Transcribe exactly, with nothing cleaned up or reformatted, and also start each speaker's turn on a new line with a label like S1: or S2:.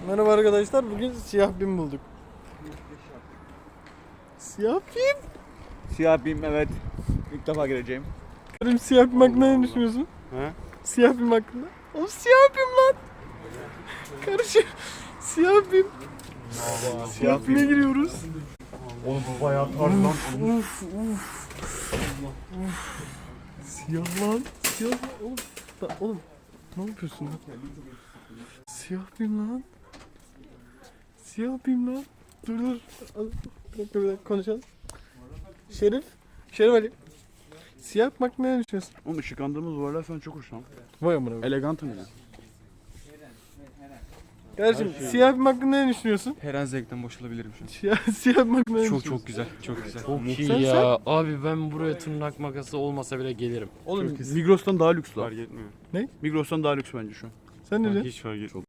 S1: Merhaba arkadaşlar, bugün siyah bim bulduk. Siyah bim?
S2: Siyah bim, evet. İlk defa gireceğim.
S1: Benim siyah bim hakkında ne düşünüyorsun?
S2: He?
S1: Siyah bim hakkında. Oğlum siyah bim lan. Kardeşim siyah bim. Siyah bime giriyoruz.
S2: Oğlum bu bayağı tarz lan.
S1: Uf uf. Uf. Siyah lan. Siyah lan. Oğlum, da, oğlum ne yapıyorsun lan? Siyah bim lan. Siyah bim lan. Dur dur. Bir dakika bir dakika konuşalım. Şerif. Şerif Ali. Siyah bim hakkında ne düşünüyorsun?
S2: Oğlum ışıklandığımız duvarlar falan çok hoş lan.
S1: Vay amına.
S2: Elegantım ya.
S1: Kardeşim siyah bim hakkında ne düşünüyorsun?
S3: Her an zevkten boşalabilirim şu an.
S1: Siyah, siyah bim hakkında ne
S3: Çok
S1: düşünüyorsun?
S3: çok güzel, çok güzel.
S4: Çok iyi
S1: Sen-
S4: ya. Abi ben buraya tırnak makası olmasa bile gelirim.
S2: Oğlum Migros'tan daha lüks lan.
S3: Fark etmiyor.
S2: Migros'tan daha lüks bence şu an.
S1: Sen ne diyorsun?
S3: Hiç fark etmiyor.